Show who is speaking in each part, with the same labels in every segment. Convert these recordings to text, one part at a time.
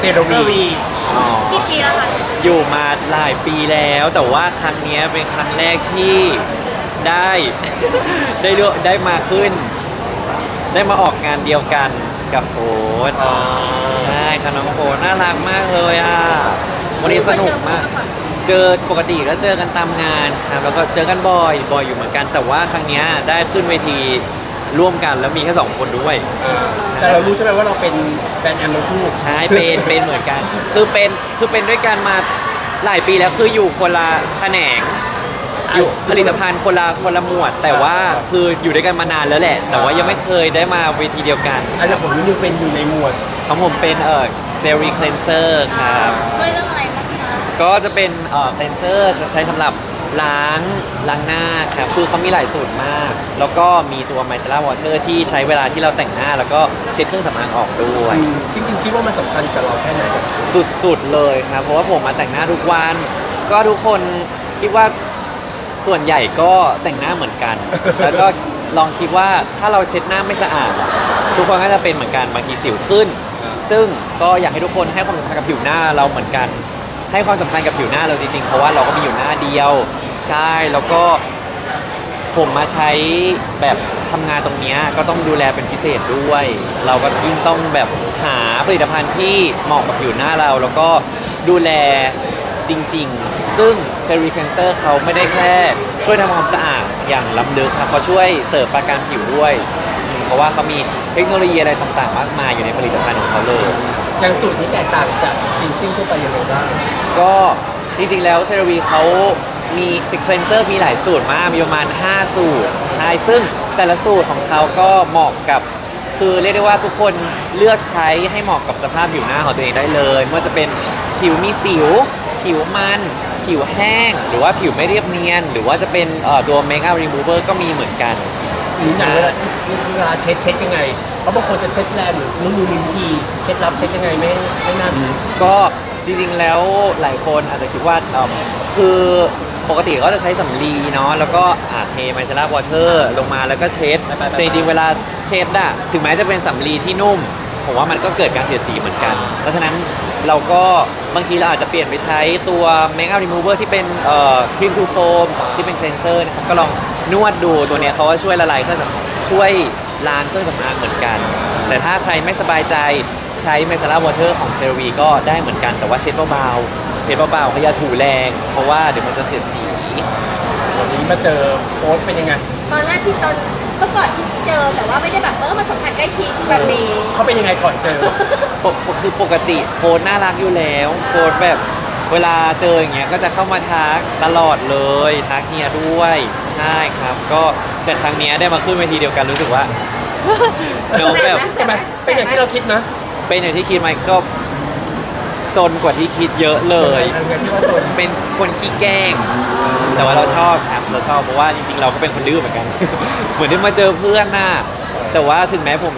Speaker 1: โรวี
Speaker 2: อ๋อ
Speaker 3: กี่ปีแล้วคะ
Speaker 2: อยู่มาหลายปีแล้วแต่ว่าครั้งเนี้ยเป็นครั้งแรกที่ได้ ได้มาขึ้น ได้มาออกงานเดียวกันกับโฟร์ใช่ค่ะน้องโฟร์น่ารักมากเลยอ่ะวันนี้สนุกมาก เจอปกติก็เจอกันตามงานครับแล้วก็เจอกันบ่อยอยู่เหมือนกัน แต่ว่าครั้งเนี้ยได้ขึ้นเวทีร่วมกันแล้วมีแค่2 คนด้วย
Speaker 1: แต่เรารู้ใช่ไหมว่าเราเป็นแบรนด์แอมทั้งคู่
Speaker 2: ใช่เป็นเหมือนกัน คือเป็นด้วยกันมาหลายปีแล้วคืออยู่คนละแขนงอยู่ผลิตภัณฑ์คนละหมวด แต่ว่าคืออยู่ด้วยกันมานานแล้วแหละ แต่ว่ายังไม่เคยได้มาเวทีเดียวกัน
Speaker 1: อันนี้ผมนิวเป็นอยู่ในหมวด
Speaker 2: ของผมเป็นเซรีคเลนเซอร์ครับ
Speaker 3: ช่วยเรื่องอะไรบ้างคะ
Speaker 2: ก็จะเป็นคเลนเซอร์ใช้สำหรับล้างหน้าครับคือเขามีหลายสูตรมาก แล้วก็มีตัวไมเซล่าวอเตอร์ที่ใช้เวลาที่เราแต่งหน้า แล้วก็เช็ดเครื่องสำอางออกด้วย
Speaker 1: จริงๆคิดว่ามันสำคัญกับเราแค่ไหน
Speaker 2: สุดๆเลยครับเพราะว่าผมมาแต่งหน้าทุกวัน ก็ทุกคนคิดว่าส่วนใหญ่ก็แต่งหน้าเหมือนกัน แล้วก็ลองคิดว่าถ้าเราเช็ดหน้าไม่สะอาด ทุกคนก็จะเป็นเหมือนกันบางทีสิวขึ้น ซึ่งก็อยากให้ทุกคนให้ความสำคัญกับผิวหน้าเราเหมือนกัน ให้ความสำคัญกับผิวหน้าเราจริงๆเพราะว่าเราก็มีอยู่หน้าเดียวใช่แล้วก็ผมมาใช้แบบทำงานตรงเนี้ยก็ต้องดูแลเป็นพิเศษด้วย เราก็ยิ่งต้องแบบหาผลิตภัณฑ์ที่เหมาะกับผิวหน้าเรา แล้วก็ดูแลจริงๆ ซึ่งเซรีเคนเซอร์เขาไม่ได้แค่ช่วยทำความสะอาดอย่างล้ำลึกครับเขาช่วยเสริมประการผิวด้วยเพราะว่าเขามีเทคโนโลยีอะไรต่างๆมากมายอยู่ในผลิตภัณฑ์ของเขาเลย
Speaker 1: อย่างสูตรนี้แตกต่างจากคลีนซิ่งทั่วไปยังไงบ้าง
Speaker 2: ก็จริงๆแล้วเซรวีเขามีซิเคลนเซอร์มีหลายสูตรมากมีประมาณ5 สูตรใช่ซึ่งแต่ละสูตรของเขาก็เหมาะกับคือเรียกได้ว่าทุกคนเลือกใช้ให้เหมาะกับสภาพผิวหน้าของตัวเองได้เลยไม่ว่าจะเป็นผิวมีสิว ผิวมันผิวแห้ง หรือว่าผิวไม่เรียบเนียน หรือว่าจะเป็นตัวเมคอัพรีมูเวอร์ก็มีเหมือนกัน
Speaker 1: อย่างเวลาเช็ดยังไงเพราะบางคนจะเช็ดแรงหรือนุ่มมีวิธีเคล็ดลับเช็ดยังไงไม่น่าซื้อ
Speaker 2: ก็จริงๆแล้วหลายคนอาจจะคิดว่าคือปกติก็จะใช้สำลีเนาะแล้วก็เทไมเซล่าวอเตอร์ลงมาแล้วก็เช็ดแต่จริงๆเวลาเช็ดอะถึงแม้จะเป็นสำลีที่นุ่มผมว่ามันก็เกิดการเสียดสีเหมือนกันเพราะฉะนั้นเราก็บางทีเราอาจจะเปลี่ยนไปใช้ตัวเมคอัพรีมูเวอร์ที่เป็นครีมทูโฟมที่เป็นเคลนเซอร์นะครับก็ลองนวดดูตัวเนี้ยเขาก็ช่วยละลายเครื่องสำอางช่วยล้างเครื่องสำอางเหมือนกัน แต่ถ้าใครไม่สบายใจใช้ไมเซล่าวอเตอร์ของเซรวีก็ได้เหมือนกันแต่ว่าเช็ดเบาๆเขาอย่าถูแรงเพราะว่าเดี๋ยวมันจะเสียดสี
Speaker 1: วันนี้มาเจอโค้ชเป็นยังไง
Speaker 3: ตอนแรกที่ตอนเมื่อก่อนที่เจอแต่ว่าไม่ได้แบบมาสัมผัสใกล้ชิดแบบนี้
Speaker 1: เขาเป็นยังไงก่อนเจอ
Speaker 2: คือปกติโค้ดน่ารักอยู่แล้วโค้ดแบบเวลาเจออย่างเงี้ยก็จะเข้ามาทักตลอดเลยทักเฮียด้วยใช่ครับก็แต่ครั้งเนี้ยได้มาขึ้นเวทีเดียวกันรู้สึกว่า น้องแบบ
Speaker 1: ใช่ไหมเป็นอย่างที่เราคิดนะ
Speaker 2: เป็นอย่างที่คิดไหมก็ซนกว่าที่คิดเยอะเลย
Speaker 1: อย่างที่ว่าโซน
Speaker 2: เป็นคนขี้แกล้ง แต่ว่าเราชอบครับเราชอบเพราะว่าจริงๆเราก็เป็นคนดื้อเหมือนกัน เหมือนที่มาเจอเพื่อนน่ะแต่ว่าถึงแม้ผม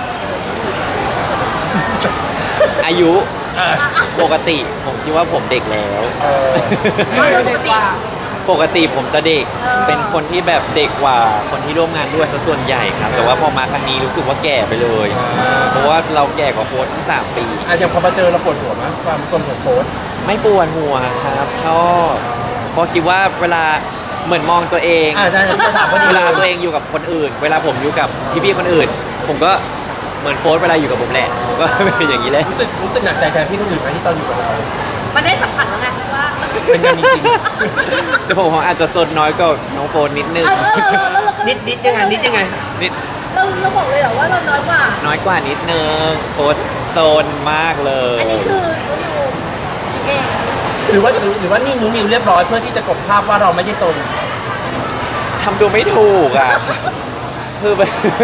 Speaker 2: อายุปกติผมคิดว่าผมเด็กแล้ว
Speaker 3: เราโดนปกติ
Speaker 2: ปกติผมจะเด็ก เป็นคนที่แบบเด็กกว่าคนที่ร่วมงานด้วยซะส่วนใหญ่ครับ แต่ว่าพอมาครั้งนี้รู้สึกว่าแก่ไปเลย เพราะว่าเราแก่กว่าโค้ชทั้ง3 ปี
Speaker 1: อย่างพอมาเจอเราปวดหัวมั้ยความสนของโค้ช
Speaker 2: ไม่ปวดหัวครับชอบเพราะคิดว่าเวลาเหมือนมองตัวเอง
Speaker 1: ได้จะถามว่า
Speaker 2: เวลาตัวเองอยู่กับคนอื่น เวลาผมอยู่กับพี่ๆคนอื่น ผมก็เหมือนโค้ชเวลาอยู่กับผมแหละผมก็เป็นอย่างนี้แหละ
Speaker 1: รู้สึกหนักใจแทนพี่คนอื่นไหมที่ตอนอยู่กับเรา
Speaker 3: มันได้สัมผัสแล้วไงว่า
Speaker 1: เป็นงานจริง
Speaker 2: แต่ผมอาจจะสนน้อยกว่าน้องโฟนนิดนึง
Speaker 3: แล้วเราก็
Speaker 1: นิดยังไง
Speaker 2: นิด
Speaker 3: เราบอกเลยเหรอว่าเราน้อยกว่า
Speaker 2: น้อยกว่านิดนึงโค้ชโซนมากเลย
Speaker 3: อันนี้คือตัวนิวคิดเอง
Speaker 1: หรือว่านี่นิวเรียบร้อยเพื่อที่จะกลบภาพว่าเราไม่ได้โซน
Speaker 2: ทำตัวไม่ถูกอ่ะ คือแบบ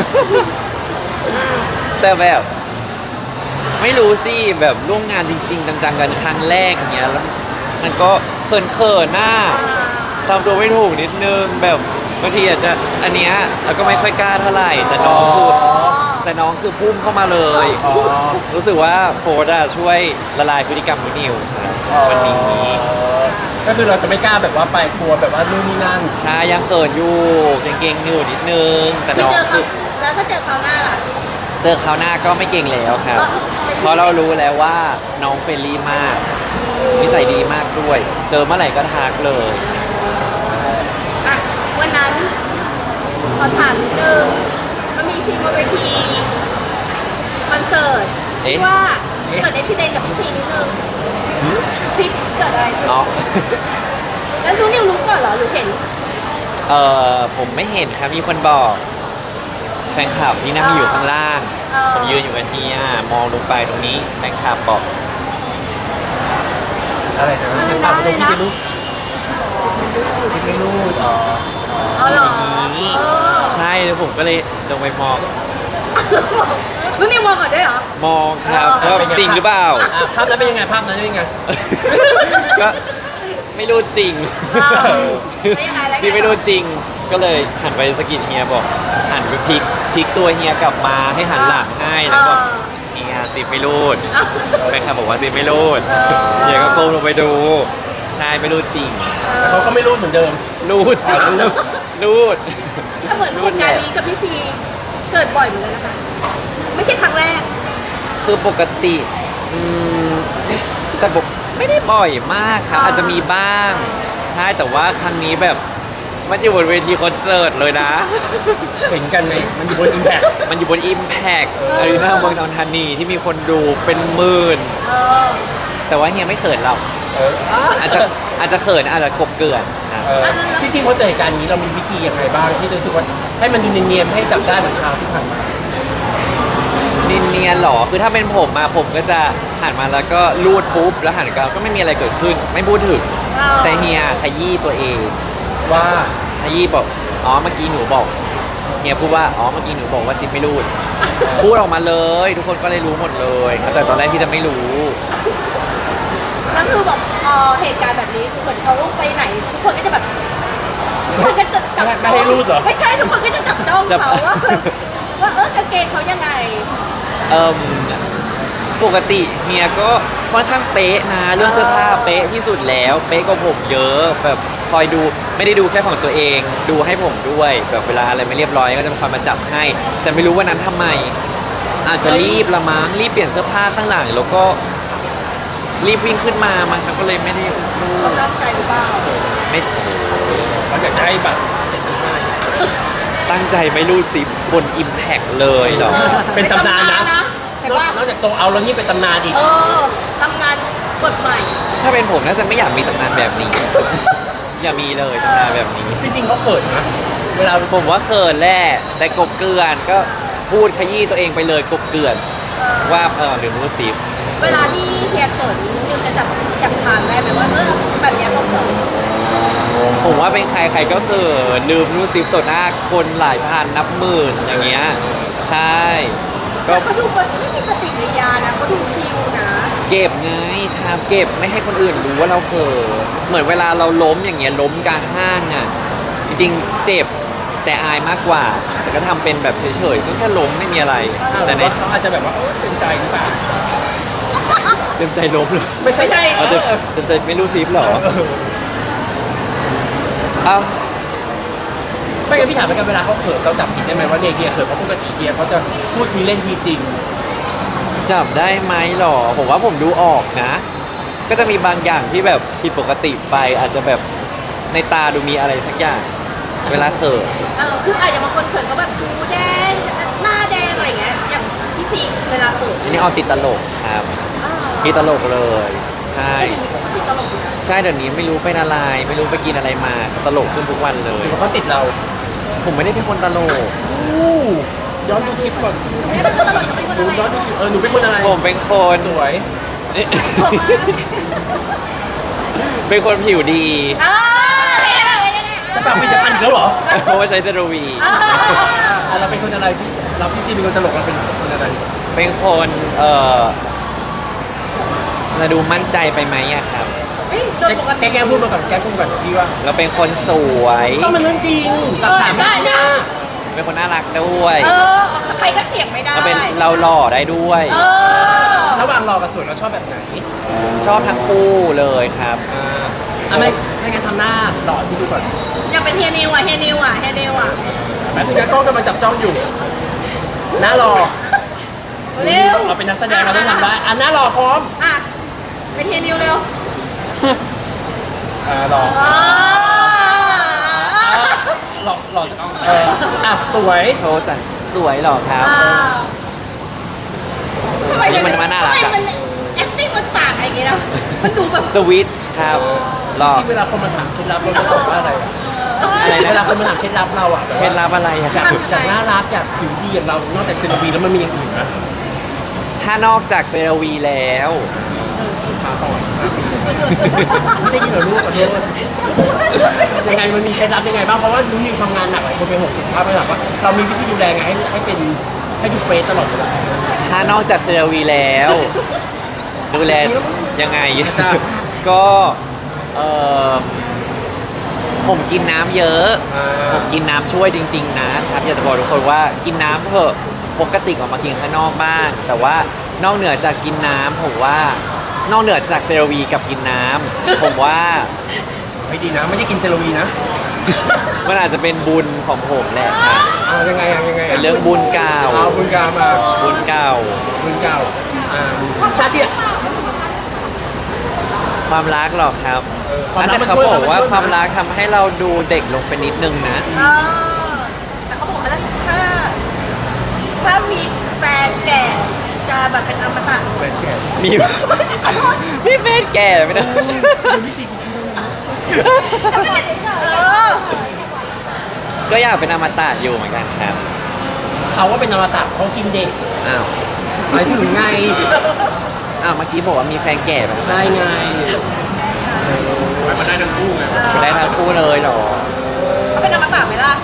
Speaker 2: แต่แบบไม่รู้สิแบบร่วมงานจริงๆจังๆกันครั้งแรกอย่างเงี้ยแล้วมันก็เขินๆหน้าทำตัวไม่ถูกนิดนึงแบบบางทีอาจจะอันเนี้ยเราก็ไม่ค่อยกล้าเท่าไหร่แต่น้องคือพุ่งเข้ามาเลย
Speaker 1: อ๋อ
Speaker 2: รู้สึกว่าโฟร์ดช่วยละลายพฤติกรรมนิวครับวันนี้
Speaker 1: ก็คือเราจะไม่กล้าแบบว่าไปกลัวแบบว่านู่นนี่นั่น
Speaker 2: ใช่ยังเขินอยู่เก่งๆอยู่นิดนึงแต่
Speaker 3: คือ
Speaker 2: น้อง
Speaker 3: เจอเขา
Speaker 2: คือ
Speaker 3: แล้วถ้าเจอเขาวหน้าล่ะ
Speaker 2: เจอคราวหน้าก็ไม่เก่งแล้วครับ เพราะเรารู้แล้วว่าน้องเฟรนลี่มากนิสัยดีมากด้วย เจอเมื่อไหร่ก็ทักเลย
Speaker 3: อ่ะวันนั้นขอถามนิดนึงมันมีซีนบนเวทีคอนเสิร์ตที่ว่าเกิดอุบิเหตุกับพี่ซีนิดนึงซีเกิดอะไรขึ้น
Speaker 2: อ๋อ
Speaker 3: แล้วนิวรู้ก่อนเหรอหรือเห็น
Speaker 2: ผมไม่เห็นครับ มีคนบอกแฟนคลับที่นั่งอยู่ข้างล่าง ผมยืนอยู่กับเฮียมองลงไปตรงนี้แฟนคลับบอก
Speaker 1: อะไรนะเป็นปากเป็นพี่จะรู้ซิไม่รู้อ๋อ
Speaker 3: เอาเหรอเออ
Speaker 2: ใช่แล้วผมก็เลยลงไปมอง
Speaker 3: แล้วนิวมองก่อนด้วยเหรอ
Speaker 2: มองครับว่าจริงหรือเปล่า
Speaker 1: ภาพนั้นเป็นยังไงภาพนั้นเป็นยังไง
Speaker 2: ก็ไม่รู้จริง
Speaker 3: แล้วยังไงแล้วยังไง
Speaker 2: ที่ไม่รู้จริง ก็เลยหันไปสะกิดเฮียบอก หันไปพลิกตัวเฮียกลับมาให้หันหลังให้แล้วบอกเฮียซิปไม่รูดแฟนคลับบอกว่าซิปไม่รูดเฮียก็ก้มลงไปดู ใช่ไม่รู้จริง
Speaker 1: แต่เขาก็ไม่รู้เหมือนเดิม
Speaker 2: รูดสิรูด
Speaker 3: แต่เหมือนเหตุการณ์นี้กับพี่ซีเกิดบ่อยเหมือนกันนะคะ ไม่ใช่ครั้งแรก
Speaker 2: คือปกติแต่บอกไม่ได้บ่อยมากครับ อาจจะมีบ้าง ใช่แต่ว่าครั้งนี้แบบมันอยู่บนเวทีคอนเสิร์ตเลยนะ
Speaker 1: เห็นกันไหมมันอยู่บนอิมแพค
Speaker 2: มันอยู่บน Impact อารีนาเมืองทองธานีที่มีคนดูเป็นหมื่น
Speaker 3: เออ
Speaker 2: แต่ว่าเฮียไม่เขินเรา อาจจะเขินอาจจะกบเกลื่อนครับ
Speaker 1: จริงๆพอเจอเหตุการณ์นี้เรามีวิธียังไงบ้างที่จะรู้สึกว่าให้มันดูเนียนๆให้จับได้เหมือนคราวที่ผ่านมา
Speaker 2: เนียนๆหรอคือถ้าเป็นผมมาผมก็จะหันมาแล้วก็ลูดปุ๊บแล้วหันกลับก็ไม่มีอะไรเกิดขึ้น ไม่พูดถึงแต่เฮียขยี้ตัวเอง
Speaker 1: ว่า
Speaker 2: ขยี้บอกอ๋อเมื่อกี้หนูบอกเฮียพูดว่าอ๋อเมื่อกี้หนูบอกว่าซิปไม่รูด พูดออกมาเลย ทุกคนก็เลยรู้หมดเลยแต่ตอนแรกที่จะไม่รู้
Speaker 3: แล้วคือแบบพอเหตุการณ์แบบนี้เหมือนเขาไปไหน ทุกคนก็จะแบบทุกคนก็จะจับ
Speaker 1: ไม่ให้รูดเหรอ
Speaker 3: ไม่ใช่ทุกคนก็จะจับจ้องเขาว่าเออกางเกงเขายังไง
Speaker 2: เอิ่มปกติเฮียก็ค่อนข้างเป๊ะนะเรื่องเสื้อผ้าเป๊ะที่สุดแล้วเป๊ะกว่าผมเยอะแบบคอยดูไม่ได้ดูแค่ของตัวเอง ดูให้ผมด้วยแบบเวลาอะไรไม่เรียบร้อยก็จะคอยมาจับให้ แต่ไม่รู้ว่านั้นทำไม อาจจะรีบละมั้งรีบเปลี่ยนเสื้อผ้าข้างหลังแล้วก็รีบวิ่งขึ้นมามันก็เลยไม่ได้รู
Speaker 3: เขา
Speaker 2: ด
Speaker 3: ตั้งใจหรือเปล่า
Speaker 2: ไม่โอ้โห
Speaker 1: เขาอยากจะให้แบบ7,500
Speaker 2: ตั้งใจไม่รูดซิบบน Impact เลยเหรอ
Speaker 1: เป็นตำนานนะ
Speaker 3: เห็นว่าน
Speaker 1: อกจากโซเอาแล้วนี่เป็นตำนานอีก
Speaker 3: เออตำนานกฎใหม่
Speaker 2: ถ้าเป็นผมน่าจะไม่อยากมีตำนานแบบนี้ อย่ามีเลยตำนานแบบนี้
Speaker 1: จริงๆเขาเขินนะเวลา
Speaker 2: ผมว่าเขินแหละแต่กบเกลื่อนก็พูดขยี้ตัวเองไปเลยกบเกลื่อนว่าหรือรู้สิ
Speaker 3: เวลาที่เฮียเขินนิวจะจับทางได้ไหมว่าแบบเนี้ยเขาเขิน
Speaker 2: ผมว่าเป็นใครใครก็เขินลืมรู้สิต่อหน้าคนหลายพันนับหมื่นอย่างเงี้ยใช่ก็
Speaker 3: แต่เขาดูไม่มีปฏิกิริยานะเขาดูชิลนะ
Speaker 2: เก็บไงชามเก็บไม่ให้คนอื่นรู้ว่าเราเขินเหมือนเวลาเราล้มอย่างเงี้ยล้มกลางห้างอ่ะจริงๆเจ็บแต่อายมากกว่า แต่ก็ทำเป็นแบบเฉยๆก็แค่ล้มไม่มีอะไร
Speaker 1: แต่
Speaker 2: แต่ใน
Speaker 1: เขาอาจจะแบบว่าเต็มใจหรือเปล่า
Speaker 2: เต็มใจล้มเลย
Speaker 1: ไม่ใช่
Speaker 2: เอาเต็มใจไม่รู้ซิปเหรอเอา
Speaker 1: ไม่งั้นพี่ถามเหมือนกันเวลาเขาเขินเราจับผิดได้ไหมว่าเนี่ยเฮียเขินเพราะปกติเฮียเขาจะพูดทีเล่นทีจริง
Speaker 2: จับได้ไหมหรอผมว่าผมดูออกนะ ก็จะมีบางอย่างที่แบบผิดปกติไป อาจจะแบบในตาดูมีอะไรสักอย่าง เวลาเขิน
Speaker 3: คืออาจจะบางคนเขินเขาแบบหูแดงหน้าแดงอะไรเงี้ยอย่างพี่ซีเวลาเขิน
Speaker 2: อันนี้เอาติดตลกครับติดตลกเลยใช่
Speaker 3: แต่เดี๋ยวนี้เขาก็ติดตลกอยู่นะ
Speaker 2: ใช่เดี๋ยวนี้ไม่รู้ไปอะไร ไม่รู้ไปกินอะไรมาตลกขึ้นทุกวันเลย
Speaker 1: หรือว่าเขาติดเรา
Speaker 2: ผมไม่ได้เป็นคนตลก
Speaker 1: ย้อนดูคลิปก่อนดูย้อนดูคลิปหนูเป็นคนอะไร
Speaker 2: ผมเป็นคน
Speaker 1: สวย
Speaker 2: เป็นคนผิวดี
Speaker 1: จะฝากผลิตภัณฑ์อีกแล้วเหรอ
Speaker 2: เพราะว่าใช้เซรวี
Speaker 1: เราเป็นคนอะไรพี่ซีเป็นคนตลกเราเป็นคนอะไร
Speaker 2: เป็นคนจะดูมั่นใจไปไหมอะครับ
Speaker 3: โดยปกติ
Speaker 1: แกพูดมาก่อนแกพูดก่อนพี่ว่า
Speaker 2: เราเป็นคนสวย
Speaker 1: ก็มันเรื่องจริงหลักฐานไม่ได้
Speaker 2: เป็นคนน่ารักด้วย
Speaker 3: ใครก็เถียงไม่ได้
Speaker 2: เราเป็นเราหล่อได้ด้วย
Speaker 1: ระหว่างรอกับสวยเราชอบแบบไหน
Speaker 2: ชอบทั้งคู่เลยครับ
Speaker 1: ไม่งั้นทำหน้าหล่อที่ดูก่อน
Speaker 3: อยากเป็นเฮียนิวอ่ะ
Speaker 1: แป๊บนึงนะกล้องกำลังจับจ้องอยู่หน้ารอ
Speaker 3: เร็ว
Speaker 1: เราเป็นนักแสดงเราต้องทำได้อ่ะหน้ารอพร้อม
Speaker 3: อ่ะไปเทียนิวเร็ว
Speaker 1: รอ
Speaker 3: อ่า
Speaker 1: หลอกอ่ะสวย
Speaker 2: โชว์สั่นสวยหรอครับ
Speaker 3: ทำไม
Speaker 2: มันน่ารัก
Speaker 3: ทำไม
Speaker 2: อะ
Speaker 3: มัน acting มันต่างอะไรอย่างเงี้ยนะมันดูแบบ
Speaker 2: สวิตช์ครับหรอ
Speaker 1: ที่เวลาคนมาถามเคล็ดลับเราจะตอบว่าอะไรอ่ะ
Speaker 2: อะไรนะ
Speaker 1: เวลาคนมาถามเคล็ดลับเราอ่ะ
Speaker 2: เคล็ดลับอะไรอะ
Speaker 1: จากน่ารักจากผิวดีอย่างเรานอกจากเซรวีแล้วมันมีอย่างอื่นไหม
Speaker 2: ถ้านอกจากเซรวีแล้ว
Speaker 1: ขาต่อยไม่ได้ยินเหรอลูกขอโทษยังไงมันมีเคล็ดลับยังไงบ้างเพราะว่านุ่นนิวทำงานหนักหลายคนเป็นห่วงสุขภาพไม่หลับว่าเรามีวิธีดูแลไงให้เป็นให้ดูเฟซตลอดเวลา
Speaker 2: ถ้านอกจากเซรวีแล้ว ดูแลยังไง
Speaker 1: จ้ะ
Speaker 2: ก็เออผมกินน้ำเยอะ ผมกินน้ำช่วยจริงๆนะครับอยากจะบอกทุกคนว่ากินน้ำเถอะปกติออกมากินข้างนอกบ้างแต่ว่านอกเหนือจากกินน้ำผมว่านอกเหนือจากเซรวีกับกินน้ำผมว่า
Speaker 1: ไม่ดีนะไม่ได้กินเซรวีนะ
Speaker 2: มันอาจจะเป็นบุญของผมแหละครับ
Speaker 1: ยังไงยังไง
Speaker 2: เป็นเรื่องบุญเก่า
Speaker 1: บุญกามา
Speaker 2: บุญเก่า
Speaker 1: บุญเก่าชาติที่
Speaker 2: ความรักหรอกครับ
Speaker 1: ความรัก
Speaker 2: แต่
Speaker 1: มัน
Speaker 2: เขา
Speaker 1: ช่วย
Speaker 2: บอกว่า
Speaker 1: มันช่วย
Speaker 2: ความรักทำให้เราดูเด็กลงไปนิดนึงนะ
Speaker 3: เออแต่เขาบอกว่าถ้ามีแฟนแก่จะแบบเป็นอมตะ
Speaker 1: แฟนแก่
Speaker 2: มี
Speaker 3: ขอโทษ
Speaker 2: มีแฟนแก่ไหมนะ
Speaker 1: พี่ซีกูคิดว่า
Speaker 3: ก็ไม่ได้เฉยๆ
Speaker 2: ก็อยากเป็นอมตะอยู่เหมือนกันครับ
Speaker 1: เขาว่าเป็นอมตะเขากินเด็ก
Speaker 2: อ้าว
Speaker 1: หมายถึงไง
Speaker 2: อ้าวเมื่อกี้บอกว่ามีแฟนแก่แบบ
Speaker 1: ได้ไงมันได้ทั้งคู่ไง
Speaker 2: ได้ทั้งคู่เลยเหรอ
Speaker 3: เขาเป็นอมตะไหมล่ะ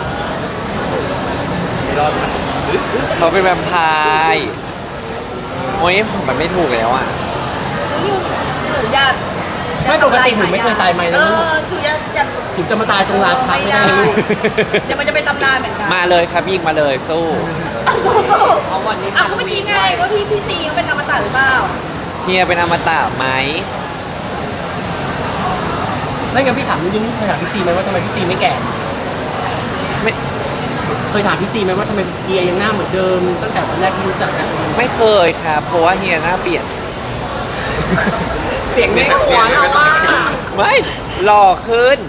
Speaker 2: เขาเป็นแวมไพร์โอ้ยผมมันไม่ถูกแล้วอ่ะ
Speaker 3: หนูอยาก
Speaker 1: ไม่ปกติหนูไม่เคยตายไหมนะลูก
Speaker 3: หนูอยาก
Speaker 1: หนูจะมาตายตรงลานพัก
Speaker 3: ไม่
Speaker 1: ไม่
Speaker 3: ได้
Speaker 1: ได้ลูก
Speaker 3: เดี๋ยวมันจะเป็นตำนานเหมือนกัน
Speaker 2: มาเลยครับยิงมาเลยสู้
Speaker 3: เอาวันนี้ก็เมื่อกี้ไงว่าพี่ซีเขาเป็นอมตะหรือเปล่า
Speaker 2: เฮียเป็นอมตะไหม
Speaker 1: ไม่งั้นพี่ถามนุ่นเคยถามพี่ซีไหมว่าทำไมพี่ซีไม่แก่
Speaker 2: ไม่
Speaker 1: เคยถามพี่ซีไหมว่าทำไมเฮียยังหน้าเหมือนเดิมตั้งแต่วันแรกที่รู้จักกัน
Speaker 2: ไม่เคยครับเพราะว่าเฮียหน้าเปลี่ยน
Speaker 1: เสียงในหัวเราว่า
Speaker 2: ไม่หล่อขึ้น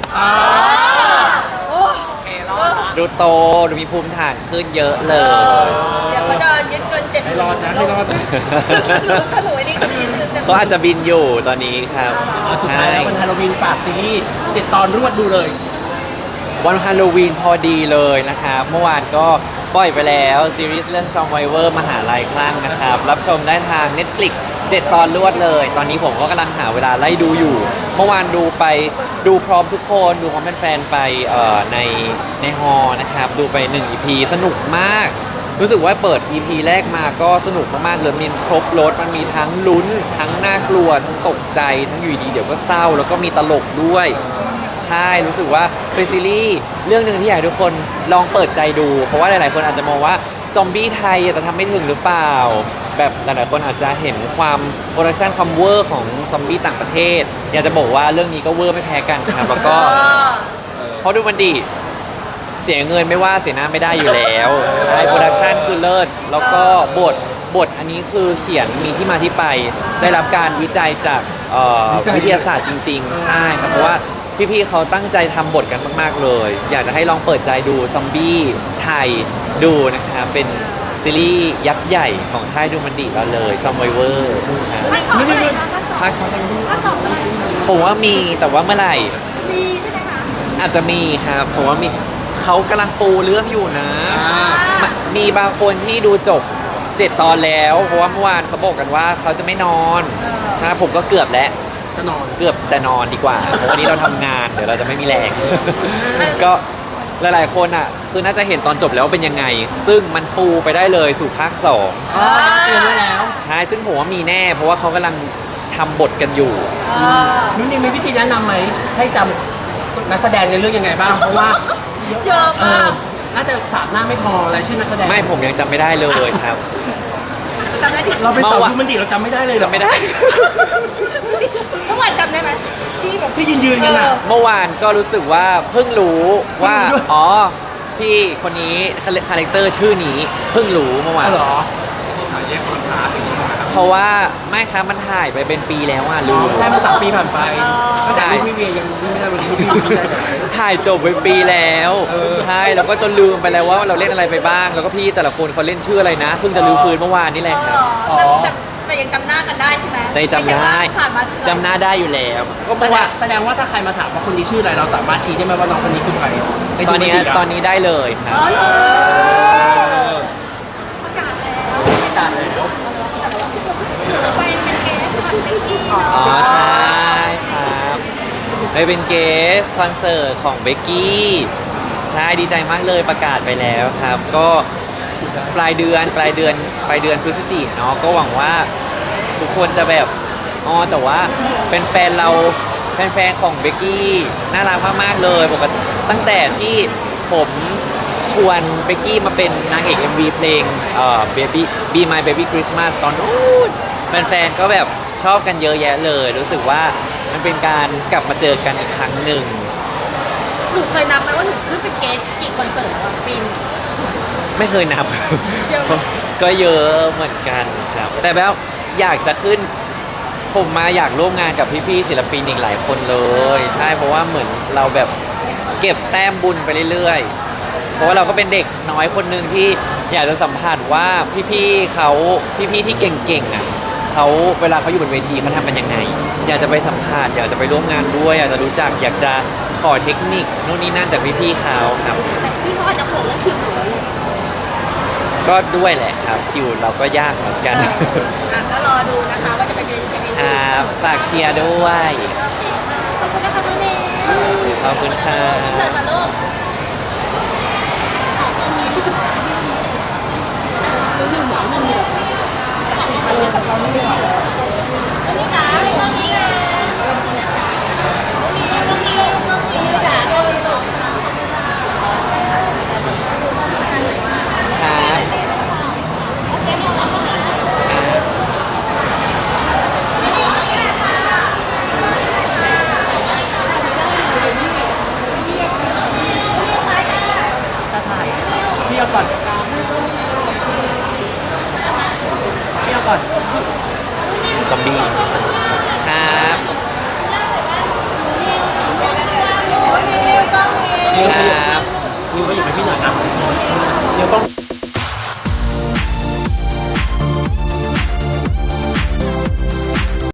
Speaker 2: ดูโตดูมีภูมิฐานขึ้นเยอะเลย
Speaker 3: เดี๋ยวเขาจะยึดเกิน7
Speaker 1: ให้รอดนะให้รอดนะ
Speaker 3: ถ้าหนูไอ้นี่เขาจะยึดเกิน
Speaker 2: เขาอาจจะบินอยู่ตอนนี้ครับ
Speaker 1: สุดท้ายแล้ววันฮาโลวีนฝากซีรีส์7 ตอนรวดดูเลย
Speaker 2: วันฮาโลวีนพอดีเลยนะครับ เมื่อวานก็ปล่อยไปแล้วซีรีส์เรื่อง Survivor มหาลัยคลั่งนะครับ รับชมได้ทาง Netflix 7 ตอนรวดเลย ตอนนี้ผมก็กำลังหาเวลาไล่ดูอยู่ เมื่อวานดูพร้อมทุกคนดูพร้อมแฟนๆไปในฮอลล์นะครับ ดูไป 1 EP สนุกมาก รู้สึกว่าเปิด EP แรกมาก็สนุกมากๆเลยมีครบรถมันมีทั้งลุ้น ทั้งน่ากลัว ทั้งตกใจ ทั้งอยู่ดีเดี๋ยวก็เศร้า แล้วก็มีตลกด้วย ใช่รู้สึกว่าเป็นซีรีส์เรื่องหนึ่งที่อยากให้ทุกคนลองเปิดใจดู เพราะว่าหลายๆคนอาจจะมองว่าซอมบี้ไทยจะทำไม่ถึงหรือเปล่า แบบหลายๆคนอาจจะเห็นความโปรดักชันความเวอร์ของซอมบี้ต่างประเทศ อยากจะบอกว่าเรื่องนี้ก็เวอร์ไม่แพ้กันครับแล้วก็เพราะดูมันดีเสียเงินไม่ว่าเสียหน้าไม่ได้อยู่แล้วใช่โปรดักชันคือเลิศแล้วก็บทอันนี้คือเขียนมีที่มาที่ไป ได้รับการวิจัยจากวิทยาศาสตร์จริง ๆ ใช่ครับเพราะว่าพี่ๆเขาตั้งใจทำบทกันมากๆเลย อยากจะให้ลองเปิดใจดูซอมบี้ไทยดูนะครับเป็นซีรีส์ยักษ์ใหญ่ของค่ายดูมันดีเราเลย Survivor ครับ
Speaker 4: ภาคสองเมื่อไหร่คะภาคสอง
Speaker 2: ภาค
Speaker 4: ภาคสองเมื่อไหร่
Speaker 2: ผมว่ามีแต่ว่าเมื่อไหร่
Speaker 4: มีใช่ไหมคะ
Speaker 2: อาจจะมีครับผมว่ามีเขากำลังปูเรื่องอยู่นะ มีบางคนที่ดูจบ7 ตอนแล้ว เพราะว่าเมื่อวานเขาบอกกันว่าเขาจะไม่นอนใช่ผมก็เกือบแล้ว
Speaker 1: จะนอน
Speaker 2: เกือบแต่นอนดีกว่า เพราะวันนี้เราทำงานเดี๋ยวเราจะไม่มีแรง ก็หลายๆคนอ่ะคือน่าจะเห็นตอนจบแล้วว่าเป็นยังไง ซึ่งมันปูไปได้เลยสู่ภาค 2
Speaker 1: เตรียมไว้แล้ว
Speaker 2: ใช่ซึ่งผมว่ามีแน่ เพราะว่าเขากำลังทำบทกันอยู่
Speaker 1: นุ่นนี่มีวิธีแนะนำไหมให้จำนักแสดงในเรื่องยังไงบ้าง เพราะว่า
Speaker 3: เยอะมาก
Speaker 1: น่าจะ3 หน้าไม่พอรายชื่อนักแสดง
Speaker 2: ไม่ผมยังจำไม่ได้เลยครับ
Speaker 3: จำได้ดิ
Speaker 1: เราเป็นสาว
Speaker 2: เมื่อวาน
Speaker 1: ดูมันดีเราจำไม่ได้เลยเหรอ
Speaker 2: จำไม่ได้
Speaker 3: เมื่อวานจำได้ไหมที่แบบ
Speaker 1: ที่ยืนกันอ่ะ
Speaker 2: เมื่อวานก็รู้สึกว่าเพิ่งรู้ว่า
Speaker 1: เพิ่งรู้ด้วย
Speaker 2: อ๋อพี่คนนี้คาแรคเตอร์ชื่อนี้เพิ่งรู้เมื่อวาน
Speaker 1: อ๋อเหรอยกคอนทราสต์อย่างนี้นะครับ
Speaker 2: เพราะว่าไม่ครับมันถ่ายไปเป็นปีแล้วอ่ะลืม
Speaker 1: ใช่มา3 ปีผ่านไปตั้งแต่ลูกพี่เวียยังวิ่งไม่ได้วันนี้ลูกพี่วิ่งได้แต่
Speaker 2: ถ่ายจบไปปีแล้วใช่แล้วก็จนลืมไปแล้วว่าเราเล่นอะไรไปบ้าง แล้วก็พี่แต่ละคนเขาเล่นชื่ออะไรนะเพิ่งจะลืมฟื้นเมื่อวานนี่แหละครับ
Speaker 3: แต่ยังจำหน้ากันได้ใช่ไหม
Speaker 2: ในจำได้
Speaker 3: ม่ใช่ว่าผ่านมา
Speaker 2: จำหน้าได้อยู่แล้วก็เพ
Speaker 1: แส
Speaker 2: ราะ
Speaker 1: ด
Speaker 2: ว่าง
Speaker 1: แสดงว่าถ้าใครมาถามว่าคนนี้ชื่ออะไรเราสามารถชี้ได้ไหมว่าน้องคนนี้คือใครใน
Speaker 2: ตอนนี้
Speaker 1: ดูไม่ดีะ
Speaker 2: ตอนนี้ได้เลยครับ
Speaker 3: อ๋อเหรอ
Speaker 4: ประกาศแล้ว
Speaker 1: จานแล้ว
Speaker 4: ไปเป็นเกสคอนเบกกี้
Speaker 2: อ๋อใช่ครับไปเป็นเกสคอนเสิร์ตของเบกกี้ใช่ดีใจมากเลยประกาศไปแล้วครับ ก็ปลายเดือนพฤศจิกายนเนาะก็หวังว่าทุกคนจะแบบอ๋อแต่ว่าเป็นแฟนเราแฟนของเบกกี้น่ารักมากๆเลยปกติตั้งแต่ที่ผมชวนเบกกี้มาเป็นนางเอก MV เพลงBaby Be My Baby Christmas ตอนนู้นแฟนๆก็แบบชอบกันเยอะแยะเลย รู้สึกว่ามันเป็นการกลับมาเจอกันอีกครั้งหนึ่ง
Speaker 3: หนูเคยนับไหมว่าหนูขึ้นเป็นเกสกี่คอนเสิร์ตแล้วอะปีน
Speaker 2: ไม่เคยนับ
Speaker 3: เยอะไหม
Speaker 2: ก็เยอะเหมือนกันครับ แต่แบบอยากจะขึ้น ผมมาอยากร่วมงานกับพี่ๆศิลปินอีกหลายคนเลย ใช่เพราะว่าเหมือนเราแบบเก็บแต้มบุญไปเรื่อยๆ เพราะว่าเราก็เป็นเด็กน้อยคนหนึ่งที่อยากจะสัมผัสว่าพี่ๆเขาพี่ๆที่เก่งๆอ่ะเขาเวลาเขาอยู่บนเวทีเขาทำมันยังไง อยากจะไปสัมผัสอยากจะไปร่วมงานด้วย อยากจะรู้จักอยากจะขอเทคนิคนู่นนี่นั่นจากพี่ๆเขาครับ
Speaker 3: แต่พี่เขาอาจจะห่วงเรื่องคิวหนูอยู่
Speaker 2: ก็ด้วยแหละครับคิวเราก็ยากเหมือนกัน
Speaker 3: ก็รอดูนะคะว่าจะไปเป็น
Speaker 2: ครับฝากเชียร์ด้วย
Speaker 3: โอเคค่ะขอบคุณนะคะน้องเนย
Speaker 2: ขอบคุณค่ะ
Speaker 3: อินเสิร์ตกันลูก